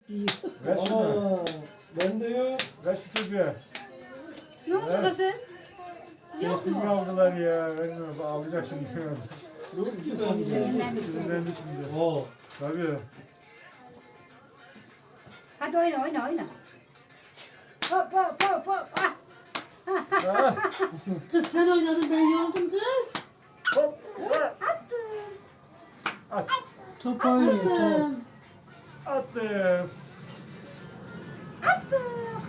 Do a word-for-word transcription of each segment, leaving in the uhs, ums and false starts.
diyor. Ver şunu. Aa, ben de yok. Ver şu çocuğa. Yok mu Evet. kızım? Yok Kesimi mu? aldılar ya. Vermiyorum. Ağlayacak şimdi. Dur istedim. Sinirlendi. Sinirlendi şimdi. Oo. Tabii. Hadi oyna oyna oyna. Hop hop hop hop. Ah. Ah, Kız sen oynadın ben yoldum kız. hop. Attım. At. Top oynuyor top. Attım. Attım.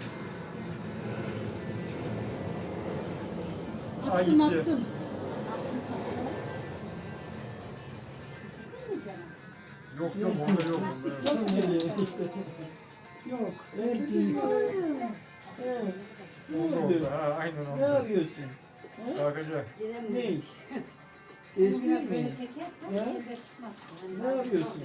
Ay, Attım gitti. attım. Yok yok onda yok. Onda yok. Sen nereye işte? Yok verdi. Onda oldu. Ha, aynen Ne oldu. yapıyorsun? Bakacak. Ne iş? Biraz Espri beni mi? çekersen Ya? elde tutmaz. Ne yapıyorsun?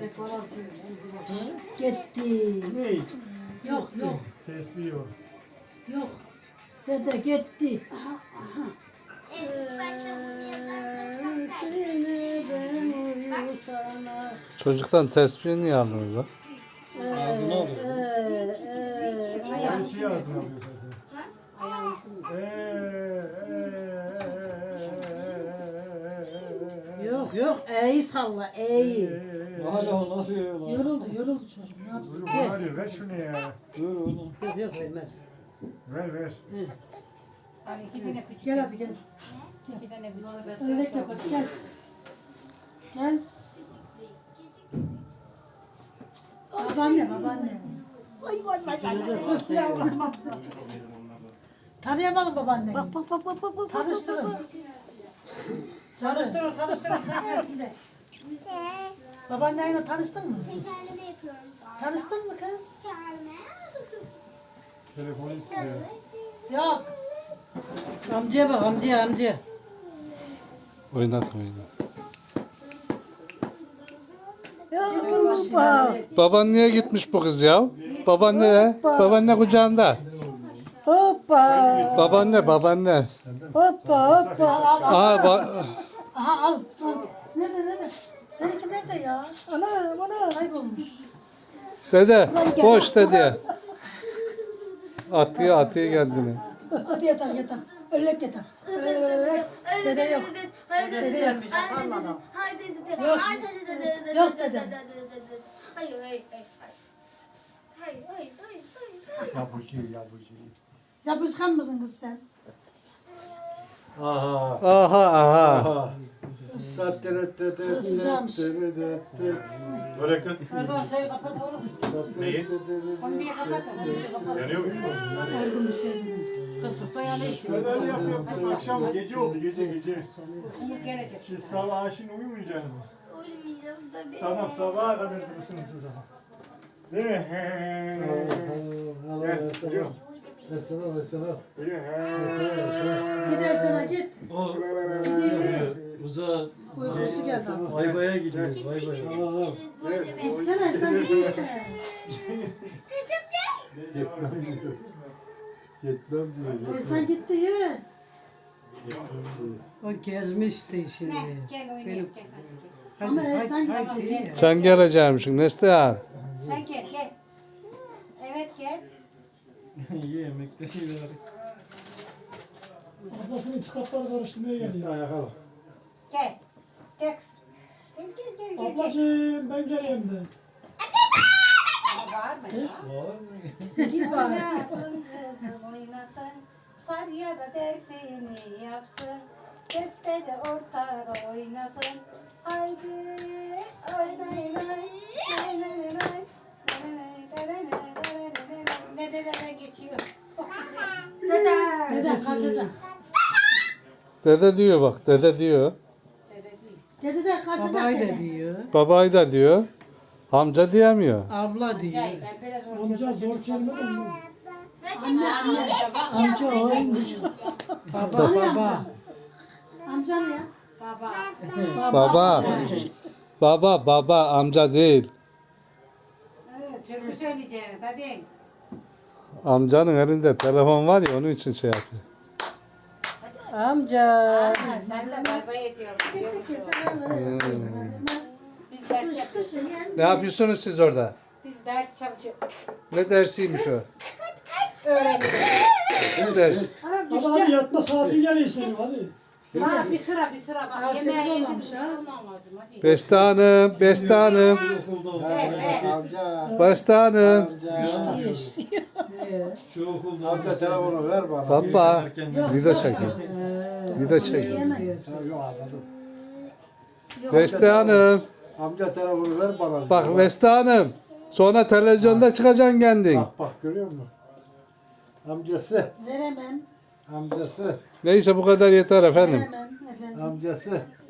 Gitti. Ne iş? Yok yok Tesbih yok. yok. Dede gitti. Çocuktan tespih niye aldınız lan? Ağzına alıyor. Her şeyi ağzına alıyor zaten. Eee, eee, Yok yok eği salla eği. Hala onu arıyor lan. Yoruldu yoruldu çocuk ne yapsın? Dur bunu arıyor. Ver şunu ya. Dur oğlum. Yok yok vermez. Ver ver. Hani iki tane küçük. Gel hadi gel. İki tane küçük. Öyle yap hadi gel. Gel. Babaanne babaanne. Tanıyamadım babaanneyi. Bak bak bak bak bak. Tanıştırın. Tanıştırın tanıştırın. Tanıştırın. Babaanneyle tanıştın mı? Tekerleme yapıyoruz. Tanıştın mı kız? Tekerleme. Telefonu istiyor. Yok. Amcaya bak amcaya amcaya. Oynat oynat. Hoppa. Baban niye gitmiş bu kız ya? Babaanne, babaanne kucağında. Hoppa. Babaanne, babaanne. Hoppa hoppa. Al, al. Aa, ba- Aha al. al. Nerede nerede? Benimki nerede ya? Ana ana kaybolmuş. dede, boş dede. Atıyor, atıyor kendini. Hadi yatar yatar. Öllek yatar. Öllek. Dede yok. Dede yok. Yok dede. Hayır, hayır, hayır. Hayır, hayır, hayır, hayır. Yapıcı yapıcı. Yapışkan mısın kız sen? Aha. Aha, aha. Aha. Isıcağımış. Böyle kız. Erdoğan şeyi kapat oğlum. Neyi? Kombiyi kapat. Kombiyi kapat. Yanıyor mu? Her gün bir şey dedim. Kız dayanı istiyor. Ben öyle yapıyorum. Akşam gece oldu gece gece. Uykumuz gelecek. Siz sabah şimdi uyumayacaksınız mı? Uyumayacağım tabii. Tamam sabaha kadar durursunuz siz ama. Değil mi? He. Gel geliyor. Mesela mesela. Geliyor. Gidersene git. O uzağa Uykusu geldi artık. Ayvaya gidiyor. Ayvaya. Evet. Gitsene sen git işte. Yetmem diyor. Yetmem diyor. E sen gitti ye. O gezmişti şimdi. Ne? Gel oynayalım gel. hadi. Ama e sen Tamam, gitti. gel. Sen geleceğimsin Neslihan. Sen gel gel. Evet gel. İyi yemekte iyi ver. Ablasının kitapları karıştırmaya geldi. Bir ayak al. Gel. Gel. kız. Gel gel gel gel. gel. Ablacığım ben geliyorum de. Var mı? Var mı? Git bari. Oynasın kızım oynasın. Sadiye da dersini yapsın. Beste de ortada oynasın. Haydi oynayın oynayın. Ne dedene geçiyor. Dede. Dede kaçacak. Dede diyor bak, dede diyor. Dede değil. Dede de kaçacak. Babay da dede. diyor. Babayı da diyor. Amca diyemiyor. Abla diyor. Gel, ben biraz ortaya Amca zor kelime de mi? Anne anne. Amca oymuş. Baba baba. Amcan ya. Baba. Baba. Baba, baba, amca değil. Evet, türkü söyleyeceğiz hadi. Amcanın elinde telefon var ya onun için şey yapıyor. Amca. Aa, sen de bay bay ediyorsun. biliyor musun? Biz ders yapıyoruz. Ne yapıyorsunuz siz orada? Biz ders çalışıyoruz. Ne dersiymiş o? Öğrendik. Ne ders? Hadi hadi yatma saati geliyor senin hadi. Ha bir sıra bir sıra bak. Aa, Yemeğe sekiz yedik. olmamış Bir ha. şey olmaz hadi. Beste Hanım, Beste Hanım, Okulda oldu. Amca. Beste Hanım. Amca. İstiyor istiyor. Şu okulda Amca telefonu ver bana. Baba, Erken video çekin. Video çekin. Ha, yok anladım. Beste Hanım, Amca telefonu ver bana. bak Beste Hanım. Sonra televizyonda çıkacaksın kendin. Bak bak görüyor musun? Amcası. Veremem. Amcası. Neyse bu kadar yeter efendim. Veremem efendim. Amcası.